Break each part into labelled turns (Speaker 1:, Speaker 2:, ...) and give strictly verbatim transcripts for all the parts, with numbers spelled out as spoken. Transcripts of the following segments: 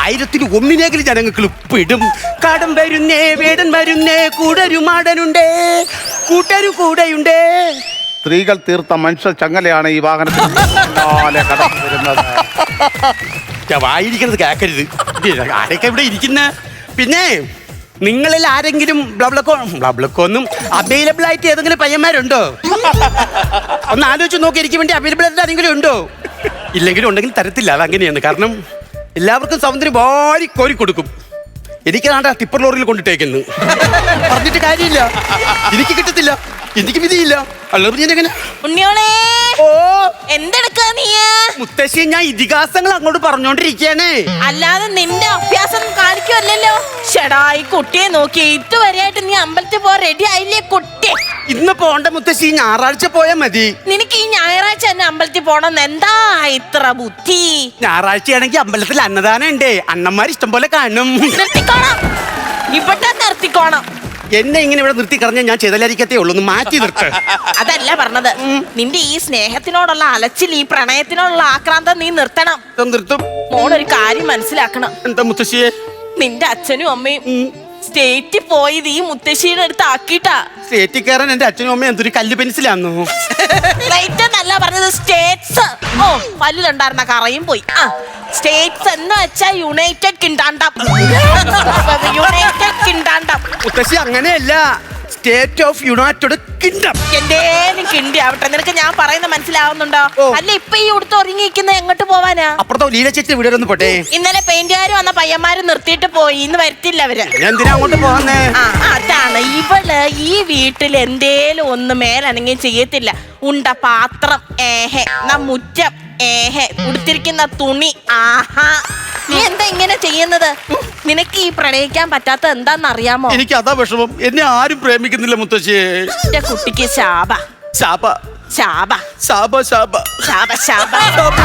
Speaker 1: ആയിരത്തിന് ഒന്നിനെങ്കിലും ജനങ്ങൾക്ക് പെടും. കടം വരുന്നേ വേടൻ വരുന്നേ കൂടൊരു മാടനുണ്ടേ കൂട്ടരു കൂടെയുണ്ടേ.
Speaker 2: സ്ത്രീകൾ തീർത്ത മനുഷ്യ ചങ്ങലയാണ് ഈ വാഹനത്തിൽ കടന്നു വരുന്നത്.
Speaker 1: വായിരിക്കുന്നത് കേക്കരുത്. ആരൊക്കെ ഇവിടെ ഇരിക്കുന്ന? പിന്നെ നിങ്ങളിൽ ആരെങ്കിലും ബ്ലബ്ലക്കോ ബ്ലബ്ലക്കോന്നും അവൈലബിൾ ആയിട്ട് ഏതെങ്കിലും പയ്യന്മാരുണ്ടോ? ഒന്ന് ആലോചിച്ച് നോക്കി. എനിക്ക് വേണ്ടി അവൈലബിൾ ആയിട്ട് ആരെങ്കിലും ഉണ്ടോ? ഇല്ലെങ്കിലും ഉണ്ടെങ്കിൽ തരത്തില്ല. അതങ്ങനെയാണ്. കാരണം എല്ലാവർക്കും സൗന്ദര്യം വാരി കോരി കൊടുക്കും. എനിക്കാണ്ട ടിപ്പർ ലോറിയിൽ കൊണ്ടിട്ടേക്കുന്നു. പറഞ്ഞിട്ട് കാര്യമില്ല. എനിക്ക് കിട്ടത്തില്ല. എനിക്ക് വിധിയില്ല. അല്ലാതെ ഞാൻ എങ്ങനെ?
Speaker 3: ഉണ്ണിയോളെ
Speaker 1: ഓ
Speaker 3: എന്തെടുക്കാ നീ?
Speaker 1: മുത്തശ്ശി ഞാൻ ഇതിഹാസങ്ങൾ അങ്ങോട്ട് പറഞ്ഞോണ്ടിരിക്കാനേ.
Speaker 3: അല്ലാതെ നിന്റെ അഭ്യാസം കാണിക്കുമല്ലോ. ഷെടാ ഈ കുട്ടിയെ നോക്കി ഇതുവരെയായിട്ട് നീ അമ്പലത്തിൽ പോ റെഡി ആയില്ലേ കുട്ടി?
Speaker 1: ഇന്ന് പോണ്ട മുത്തശ്ശി, ഞായറാഴ്ച പോയാ മതി.
Speaker 3: നിനക്ക് ഈ ഞായറാഴ്ച തന്നെ അമ്പലത്തിൽ പോണെന്ന് എന്താ ഇത്ര ബുദ്ധി?
Speaker 1: ഞായറാഴ്ചയാണെങ്കിൽ അമ്പലത്തിൽ അന്നദാനം ഉണ്ടേ. അണ്ണന്മാർ ഇഷ്ടം പോലെ കാണും.
Speaker 3: നിർത്തിക്കോണം, ഇവിടെ നിർത്തിക്കോണം.
Speaker 1: എന്നെ ഇങ്ങനെ ഇവിടെ നിർത്തി കളഞ്ഞാൽ ഞാൻ ചെയ്തലായിരിക്കത്തേ ഉള്ളൂ. ഒന്ന് മാറ്റി നിർത്ത്.
Speaker 3: അതല്ല പറഞ്ഞത്. നിന്റെ ഈ സ്നേഹത്തിനോടുള്ള അലച്ചിൽ, ഈ പ്രണയത്തിനോടുള്ള ആക്രാന്തം നീ നിർത്തണം.
Speaker 1: നിർത്തും.
Speaker 3: മോളൊരു കാര്യം മനസ്സിലാക്കണം.
Speaker 1: എന്താ മുത്തശ്ശിയെ?
Speaker 3: നിന്റെ അച്ഛനും അമ്മയും സ്റ്റേറ്റിൽ പോയത് ഈ മുത്തശ്ശിയുടെ അടുത്ത് ആക്കിട്ടാ.
Speaker 1: സ്റ്റേറ്റിൽ കയറാൻ എന്റെ അച്ഛനും അമ്മയും എന്തൊരു കല്ല് പെൻസിലാന്നോ?
Speaker 3: സ്റ്റേറ്റ് എന്നല്ല പറഞ്ഞത്, സ്റ്റേറ്റ്സ്. ഓ പല്ലിലുണ്ടായിരുന്ന കറയും പോയി. ആ സ്റ്റേറ്റ്സ് എന്ന് വെച്ചാ യുണൈറ്റഡ് കിങ്ഡം. United kingdom.
Speaker 1: മുത്തശ്ശി അങ്ങനെയല്ല, സ്റ്റേറ്റ് ഓഫ് യുണൈറ്റഡ് കിങ്ഡം.
Speaker 3: എന്തേലും കിണ്ടി ആവട്ടെ. നിനക്ക് ഞാൻ പറയുന്നത് മനസ്സിലാവുന്നുണ്ടോ? അല്ല ഇപ്പൊ ഈ ഉടുത്ത് ഒരുങ്ങിയിരിക്കുന്ന എങ്ങോട്ട് പോവാനാ?
Speaker 1: അപ്പുറത്തോ ലീല ചേച്ചി വീട് ഒന്ന് പോട്ടെ.
Speaker 3: ഇന്നലെ പെയിന്റുകാർ വന്ന പയ്യന്മാര് നിർത്തിയിട്ട് പോയി. ഇന്ന് വരുത്തില്ല അവര്.
Speaker 1: എന്തിനാ അങ്ങോട്ട് പോകാന്നേ?
Speaker 3: ആ അതാണ്. ഇവള് ഈ വീട്ടിൽ എന്തേലും ഒന്ന് മേലനങ്ങി ചെയ്യത്തില്ല. ഉണ്ട പാത്രം ഏഹെ, ന മുറ്റം ഏഹെ, ഉടുത്തിരിക്കുന്ന തുണി ആഹാ. നീ എന്താ ഇങ്ങനെ ചെയ്യുന്നത്? നിനക്ക് ഈ പ്രണയിക്കാൻ പറ്റാത്ത എന്താന്നറിയാമോ?
Speaker 1: എനിക്ക് അതാ വിഷമം. എന്നെ ആരും പ്രേമിക്കുന്നില്ല മുത്തശ്ശിയെ.
Speaker 3: എന്റെ കുട്ടിക്ക് ശാപ
Speaker 1: ശാപ
Speaker 3: ശാപ
Speaker 1: ശാപ ശാപ
Speaker 3: ശാപ ശാപ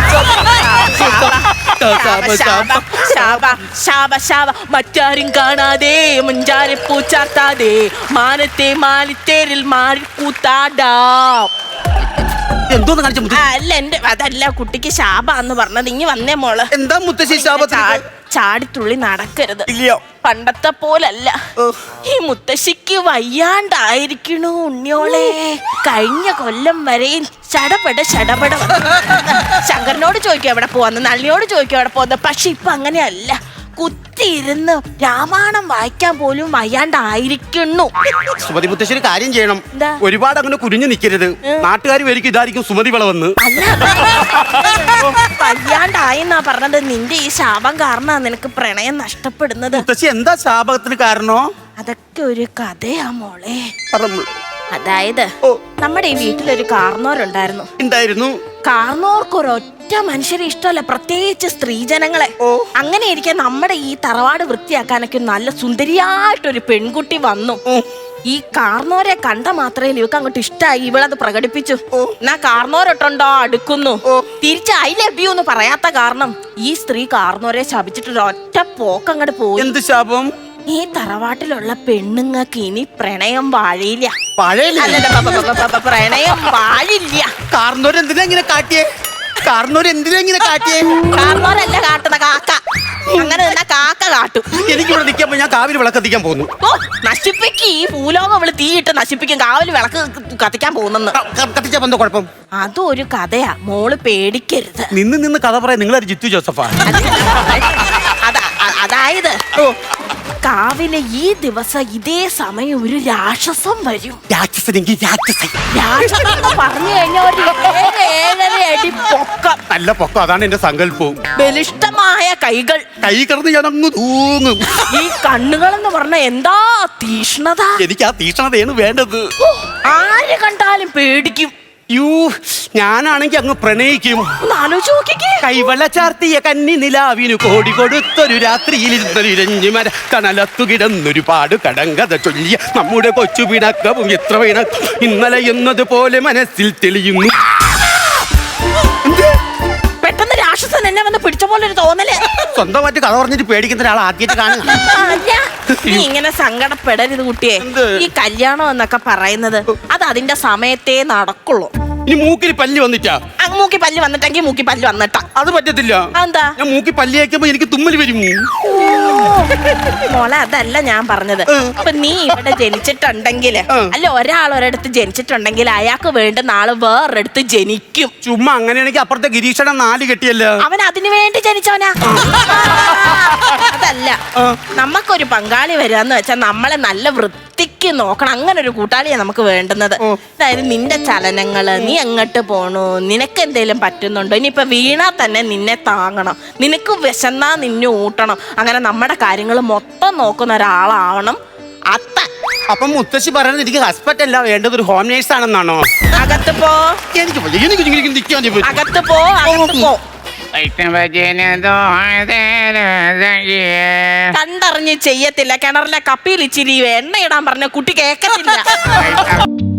Speaker 3: ശാപ ശാപ ശാപ. മറ്റാരും കാണാതെ മുഞ്ചാരെ പൂച്ചാത്താതെ മാനത്തെ മാലിത്തേരിൽ മാറി കൂത്താടാം.
Speaker 1: എന്തോന്ന് കാണിച്ച?
Speaker 3: അല്ല എന്റെ അതല്ല കുട്ടിക്ക് ശാപ എന്ന് പറഞ്ഞത്. ഇനി വന്നേ മോള്.
Speaker 1: എന്താ മുത്തശ്ശി ശാപത്തിൽ?
Speaker 3: ചാടിത്തുള്ളി നടക്കരുത്.
Speaker 1: ഇല്ലയോ?
Speaker 3: പണ്ടത്തെ പോലല്ല. ഈ മുത്തശ്ശിക്ക് വയ്യാണ്ടായിരിക്കണു ഉണ്ണിയോളെ. കഴിഞ്ഞ കൊല്ലം വരെയും ചടപട ചടപട. ശങ്കരനോട് ചോദിക്കും എവിടെ പോവാന്ന്, നളിനിയോട് ചോദിക്കും എവിടെ പോവാന്ന്. പക്ഷെ ഇപ്പൊ അങ്ങനെയല്ല. കുത്തിയിരുന്ന് രാമായണം വായിക്കാൻ പോലും വയ്യാണ്ടായിരിക്കുന്നു.
Speaker 1: സുമതി മുത്തശ്ശി ഒരു കാര്യം ചെയ്യണം. ഒരുപാട് അങ്ങനെ കുരിഞ്ഞു നിൽക്കരുത്. നാട്ടുകാർ വരിക്കും ഇതായിരിക്കും സുമതി വളവെന്ന്.
Speaker 3: വയ്യാണ്ടായെന്നാ പറഞ്ഞത്. നിന്റെ ഈ ശാപം കാരണ നിനക്ക് പ്രണയം നഷ്ടപ്പെടുന്നത്.
Speaker 1: മുത്തശ്ശി എന്താ ശാപത്തിന് കാരണോ?
Speaker 3: അതൊക്കെ ഒരു കഥയാ മോളെ.
Speaker 1: പറഞ്ഞു.
Speaker 3: അതായത് നമ്മുടെ ഈ വീട്ടിലൊരു കാർന്നോരുണ്ടായിരുന്നു.
Speaker 1: ഉണ്ടായിരുന്നു.
Speaker 3: കാർന്നോർക്ക് ഒരൊറ്റ മനുഷ്യരെ ഇഷ്ടമല്ല, പ്രത്യേകിച്ച് സ്ത്രീജനങ്ങളെ. അങ്ങനെ ഇരിക്കാൻ നമ്മുടെ ഈ തറവാട് വൃത്തിയാക്കാനൊക്കെ നല്ല സുന്ദരിയായിട്ടൊരു പെൺകുട്ടി വന്നു. ഈ കാർന്നോരെ കണ്ട മാത്രമേ ഇവക്ക് അങ്ങോട്ട് ഇഷ്ടമായി. ഇവളത് പ്രകടിപ്പിച്ചു. എന്നാ കാർന്നോരൊട്ടുണ്ടോ അടുക്കുന്നു. തിരിച്ച് ഐ ലവ് യു എന്ന് പറയാത്ത കാരണം ഈ സ്ത്രീ കാർന്നോരെ ശപിച്ചിട്ട് ഒറ്റ പോക്ക് അങ്ങോട്ട് പോയി.
Speaker 1: എന്ത് ശാപം?
Speaker 3: ഈ തറവാട്ടിലുള്ള പെണ്ണുങ്ങൾക്ക് ഇനി പ്രണയം വാഴില്ല. പ്രണയം വാഴില്ല.
Speaker 1: കാർന്നോര് എന്തിനാ ഇങ്ങനെ കാട്ടിയേ? കാർന്നോര് എന്തിനാ ഇങ്ങനെ കാട്ടിയേ?
Speaker 3: കാർന്നോരല്ല കാട്ടുന്ന കാക്ക. അങ്ങനെ തന്നെ കാക്ക കാട്ടും.
Speaker 1: എനിക്കിവിടെ നിൽക്കാൻ ഞാൻ കാവിൽ വിളക്ക് കത്തിക്കാൻ പോകുന്നു.
Speaker 3: ഓ നശിപ്പിക്ക്. ഈ ഭൂലോകം അവള് തീയിട്ട് നശിപ്പിക്കും. കാവിൽ വിളക്ക് കത്തിക്കാൻ പോകുന്നെന്ന്.
Speaker 1: കത്തിച്ചാ എന്തോ കുഴപ്പം?
Speaker 3: അതും ഒരു കഥയാ. മോള് പേടിക്കരുത്.
Speaker 1: നിന്ന് നിന്ന് കഥ പറയാൻ നിങ്ങളൊരു ജിത്തു ജോസഫാ.
Speaker 3: അതായത് കാവിലെ ഈ ദിവസം ഇതേ സമയം ഒരു രാക്ഷസം വരും.
Speaker 1: രാക്ഷസനെങ്കിൽ രാക്ഷസൻ.
Speaker 3: രാക്ഷസൻ പറഞ്ഞു കഴിഞ്ഞാൽ ഒരു ഏഴ് ഏഴര അടി പൊക്കം.
Speaker 1: നല്ല പൊക്കം. അതാണ് എന്റെ സങ്കല്പവും.
Speaker 3: ബലിഷ്ഠമായ കൈകൾ.
Speaker 1: കൈ കിടന്ന് ഞാൻ അങ്ങ് തൂങ്ങും.
Speaker 3: ഈ കണ്ണുകൾ എന്ന് പറഞ്ഞ എന്താ തീഷ്ണത.
Speaker 1: എനിക്ക് ആ തീഷ്ണതയാണ് വേണ്ടത്.
Speaker 3: ആര് കണ്ടാലും പേടിക്കും.
Speaker 1: യൂ ഞാനാണെങ്കി അങ്ങ് പ്രണയിക്കും.
Speaker 3: ആലോചിച്ച് നോക്കിക്കേ.
Speaker 1: കൈവള ചാർത്തിയ കന്നി നിലാവിനു കോടി കൊടുത്തൊരു രാത്രിയിൽ ഇരുഞ്ഞുമര കനലത്തു കിടന്നൊരു പാട് കടങ്കഥ ചൊല്ലിയ നമ്മുടെ കൊച്ചു പിണക്കവും എത്ര പിണക്കം ഇന്നലെ എന്നതുപോലെ മനസ്സിൽ തെളിയുന്നു.
Speaker 3: പെട്ടെന്ന് രാക്ഷസൻ എന്നെ വന്ന് പിടിച്ച പോലെ ഒരു തോന്നല്.
Speaker 1: സ്വന്തമായിട്ട് കഥ പറഞ്ഞിട്ട് പേടിക്കുന്ന ഒരാൾ ആദ്യമായിട്ട് കാണുക.
Speaker 3: നീ ഇങ്ങനെ സങ്കടപ്പെടരുത് കുട്ടിയെ. ഈ കല്യാണം എന്നൊക്കെ പറയുന്നത് അത് അതിന്റെ സമയത്തേ നടക്കുള്ളൂ.
Speaker 1: ഇനി മൂക്കിൽ പല്ല് വന്നിട്ടാ
Speaker 3: ആ, മൂക്കി പല്ല് വന്നിട്ടെങ്കിൽ മൂക്കി പല്ല് വന്നിട്ടാ.
Speaker 1: അത് പറ്റത്തില്ല.
Speaker 3: അതെന്താ?
Speaker 1: ഞാൻ മൂക്കി പല്ല് വയ്ക്കുമ്പോ എനിക്ക് തുമ്മൽ വരും.
Speaker 3: മോളെ അതല്ല ഞാൻ പറഞ്ഞത്. ഇപ്പൊ നീ ഇവിടെ ജനിച്ചിട്ടുണ്ടെങ്കിൽ അല്ല ഒരാൾ ഒരിടത്ത് ജനിച്ചിട്ടുണ്ടെങ്കിൽ അയാൾക്ക് വേണ്ടുന്ന ആള് വേറൊരിടത്ത് ജനിക്കും.
Speaker 1: ചുമ്മാ അങ്ങനെയാണെങ്കിൽ അപ്പുറത്തെ ഗിരീഷണം നാല് കെട്ടിയല്ലോ.
Speaker 3: അവൻ അതിനു വേണ്ടി ജനിച്ചവനാ. അതല്ല, നമുക്കൊരു പങ്കാളി വരികയെന്ന് വെച്ചാൽ നമ്മളെ നല്ല വൃത്തിക്ക് നോക്കണം. അങ്ങനെ ഒരു കൂട്ടാളിയാ നമുക്ക് വേണ്ടുന്നത്. അതായത് നിന്റെ ചലനങ്ങള്, നീ എങ്ങോട്ട് പോണു, നിനക്ക് എന്തേലും പറ്റുന്നുണ്ടോ, ഇനിയിപ്പൊ വീണാ തന്നെ നിന്നെ താങ്ങണം, നിനക്ക് വിശന്നാ നിന്നെ ഊട്ടണം. അങ്ങനെ നമ്മുടെ കാര്യങ്ങൾ മൊത്തം നോക്കുന്ന ഒരാളാവണം അത്ത.
Speaker 1: അപ്പൊ മുത്തശ്ശി പറയുന്നത് എനിക്ക് ഹസ്ബൻഡ് അല്ല വേണ്ടത്, ഒരു ഹോം നേഴ്സ് ആണെന്നാണോ?
Speaker 3: അകത്ത് പോ,
Speaker 1: എനിക്ക് വയ്യ, എനിക്ക് ഇങ്ങനെ ഇങ്ങനെ നിൽക്കാൻ പറ്റും.
Speaker 3: അകത്ത് പോ, അകത്ത് പോ. കണ്ടറിഞ്ഞ് ചെയ്യത്തില്ല. കിണറിലെ കപ്പിയിൽ ഇച്ചിരി എണ്ണ ഇടാൻ പറഞ്ഞ കുട്ടി കേക്കത്തില്ല.